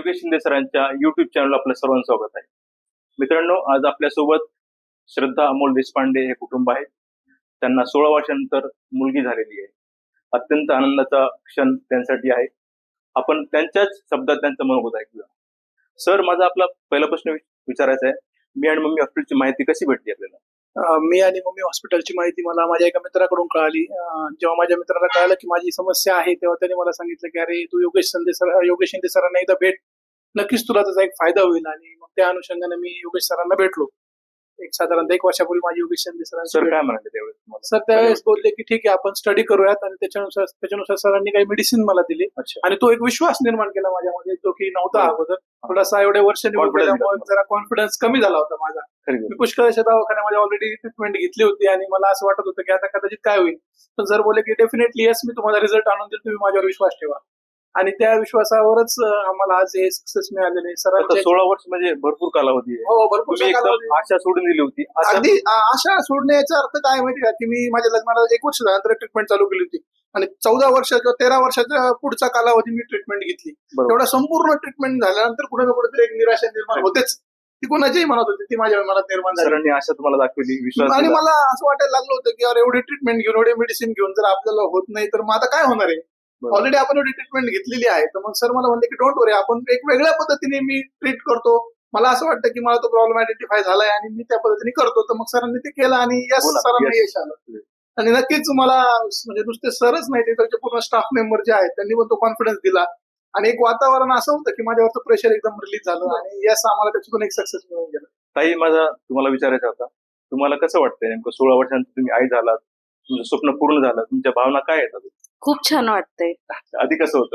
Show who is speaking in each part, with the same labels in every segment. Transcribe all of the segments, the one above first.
Speaker 1: योगेश शिंदे सरांच्या YouTube channel आपलं सर्वांचं स्वागत आहे. मित्रांनो, आज आपल्यासोबत श्रद्धा अमोल देशपांडे हे कुटुंब आहे. त्यांना 16 वर्षानंतर मुलगी झालेली आहे. अत्यंत आनंदाचा क्षण त्यांच्यासाठी आहे. आपण त्यांच्याच शब्दात त्यांचं मनोगत ऐकूया. सर, माझा आपला पहिला प्रश्न विचारायचा आहे. मी आणि मम्मी हॉस्पिटलची माहिती कशी भेटली आपल्याला?
Speaker 2: मी आणि मम्मी हॉस्पिटलची माहिती मला माझ्या एका मित्राकडून कळाली. जेव्हा माझ्या मित्राला कळालं की माझी समस्या आहे, तेव्हा त्याने मला सांगितलं की अरे तू योगेश शिंदे सरांना एकदा भेट, नक्कीच तुला त्याचा एक फायदा होईल. आणि मग त्या अनुषंगाने मी योगेश सरांना भेटलो. साधारणतः 1 वर्षापूर्वी माझी योगेश शिंदे
Speaker 1: सर
Speaker 2: सरांची
Speaker 1: काय म्हणाले त्यावेळेस तुम्हाला?
Speaker 2: सर त्यावेळेस बोलले की ठीक आहे, आपण स्टडी करूयात. आणि त्याच्यानुसार सरांनी काही मेडिसिन मला दिली.
Speaker 1: अच्छा.
Speaker 2: आणि तो एक विश्वास निर्माण केला माझ्यामध्ये, जो की नव्हता अगोदर. थोडासा एवढ्या वर्ष
Speaker 1: Confidence
Speaker 2: जरा कॉन्फिडन्स कमी झाला होता माझा. मी पुष्कळशा दवाखान्यामध्ये ऑलरेडी ट्रीटमेंट घेतली होती आणि मला असं वाटत होतं की आता कदाचित काय होईल. पण सर बोलले की डेफिनेटली येस, मी तुम्हाला रिझल्ट आणून देईल, तुम्ही माझ्यावर विश्वास ठेवा. आणि त्या विश्वासावरच आम्हाला आज हे सक्सेस मिळालेले.
Speaker 1: आता 16 वर्ष म्हणजे भरपूर कालावधी आहे.
Speaker 2: हो, भरपूर
Speaker 1: तुम्ही एकदम आशा सोडून दिली होती.
Speaker 2: अगदी आशा सोडण्याचा अर्थ काय माहिती का, की मी माझ्या लग्नाला 1 वर्ष झाल्यानंतर ट्रीटमेंट चालू केली होती. आणि 14 वर्ष किंवा 13 वर्षाच्या पुढचा कालावधी मी ट्रीटमेंट घेतली. तेवढा संपूर्ण ट्रीटमेंट झाल्यानंतर कुठे ना कुठेतरी एक निराशा निर्माण होतेच. ती कोणाच्याही मनात होती, ती माझ्या मनात निर्माण झाली.
Speaker 1: सरांनी आशा तुम्हाला दाखवली, विश्वास
Speaker 2: आणि
Speaker 1: दिला.
Speaker 2: मला असं वाटायला लागलं होतं की अरे एवढी ट्रीटमेंट घेऊन, एवढे मेडिसिन घेऊन जर आपल्याला होत नाही तर मग आता काय होणार आहे. ऑलरेडी आपण एवढी ट्रीटमेंट घेतलेली आहे. तर मग सर मला म्हणले की डोंट वरी, आपण एक वेगळ्या पद्धतीने मी ट्रीट करतो. मला असं वाटतं की मला तो प्रॉब्लेम आयडेंटिफाय झालाय आणि मी त्या पद्धतीने करतो. तर मग सरांनी ते केलं आणि यस, सरांना यश आलं. आणि नक्कीच मला म्हणजे नुसते सरच नाही, ते त्याचे पूर्ण स्टाफ मेंबर जे आहेत त्यांनी पण तो कॉन्फिडन्स दिला. आणि एक वातावरण असं होतं की माझ्यावरचं प्रेशर एकदम रिलीज झालं. आणि यस, आम्हाला त्याच्यातून एक सक्सेस मिळून गेला.
Speaker 1: ताई, माझा तुम्हाला विचारायचा होता, तुम्हाला कसं वाटतंय नेमकं 16 वर्षांनंतर तुम्ही आई झालात, तुमचं स्वप्न पूर्ण झालं, तुमच्या भावना काय येतात?
Speaker 3: खूप छान वाटतंय.
Speaker 1: आधी कसं होतं?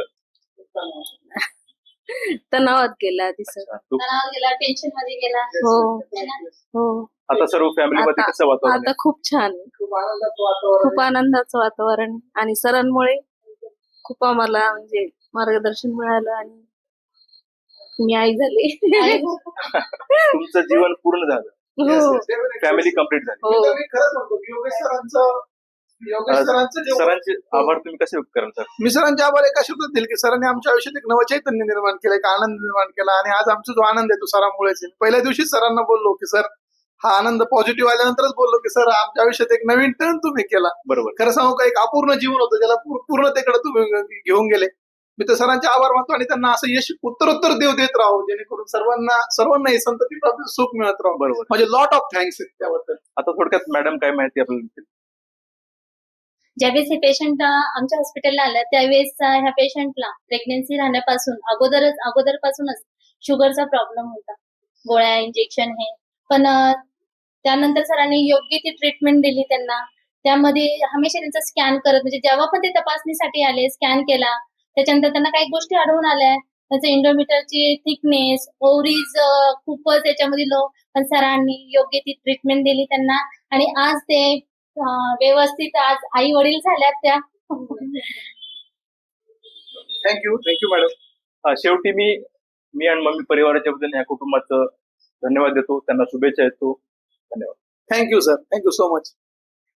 Speaker 3: तणावात गेला आधी सर.
Speaker 4: तणावात गेला, टेन्शन मध्ये गेला.
Speaker 3: हो हो.
Speaker 1: आता सर्व फॅमिलीमध्ये
Speaker 3: आता
Speaker 1: कसं वातावरण
Speaker 3: आता खूप छान,
Speaker 2: खूप आनंदाचं वातावरण
Speaker 3: खूप आनंदाचं वातावरण आहे. आणि सरांमुळे खूप आम्हाला म्हणजे मार्गदर्शन मिळालं आणि मी आई झाली.
Speaker 1: तुमचं जीवन पूर्ण झालं,
Speaker 3: हो
Speaker 1: फॅमिली कम्प्लीट झाली.
Speaker 3: हो.
Speaker 2: मी खरंच म्हणतो की योगेश सरांचं जे
Speaker 1: सरांचे आभार तुम्ही कसे व्यक्त कराल सर?
Speaker 2: मी सरांचे आभार एका शब्दात दिले की सरांनी आमच्या आयुष्यात एक नवं चैतन्य निर्माण केलं, एक आनंद निर्माण केला. आणि आज आमचा जो आनंद आहे तो सरांमुळेच आहे. पहिल्या दिवशीच सरांना बोललो की सर, हा आनंद पॉझिटिव्ह आल्यानंतरच बोललो की सर, आमच्या आयुष्यात एक नवीन टर्न तुम्ही केला.
Speaker 1: बरोबर.
Speaker 2: खरं सांगू का, एक अपूर्ण जीवन होतं, ज्याला पूर्णतेकडे तुम्ही घेऊन गेले. मी तर सरांचे आभार मानतो आणि त्यांना असं यश उत्तरोत्तर देव देत राहू, जेणेकरून सर्वांना हे संतती प्राप्त सुख मिळत राहू.
Speaker 1: बरोबर.
Speaker 2: म्हणजे लॉट ऑफ थँक्स त्याबद्दल.
Speaker 1: आता थोडक्यात मॅडम काय माहिती आपल्याला देतील?
Speaker 4: ज्यावेळेस हे पेशंट आमच्या हॉस्पिटलला आलं त्यावेळेस ह्या पेशंटला प्रेग्नन्सी राहण्यापासून अगोदरपासूनच शुगरचा प्रॉब्लेम होता, गोळ्या, इंजेक्शन हे. पण त्यानंतर सरांनी योग्य ती ट्रीटमेंट दिली त्यांना. त्यामध्ये हमेशा त्यांचा स्कॅन करत, म्हणजे जेव्हा पण ते तपासणीसाठी आले, स्कॅन केला. त्याच्यानंतर त्यांना काही गोष्टी आढळून आल्या. त्याचं इंडोमीटरची थिकनेस, ओव्हरीज खूपच याच्यामध्ये लो. पण सरांनी योग्य ती ट्रीटमेंट दिली त्यांना आणि आज ते व्यवस्थित आज आई वडील झाल्यात त्या.
Speaker 2: Thank you madam.
Speaker 1: शेवटी मी आणि मम्मी परिवाराच्या वतीने या कुटुंबाचं धन्यवाद देतो, त्यांना शुभेच्छा देतो. धन्यवाद.
Speaker 2: Thank you sir, thank you so much.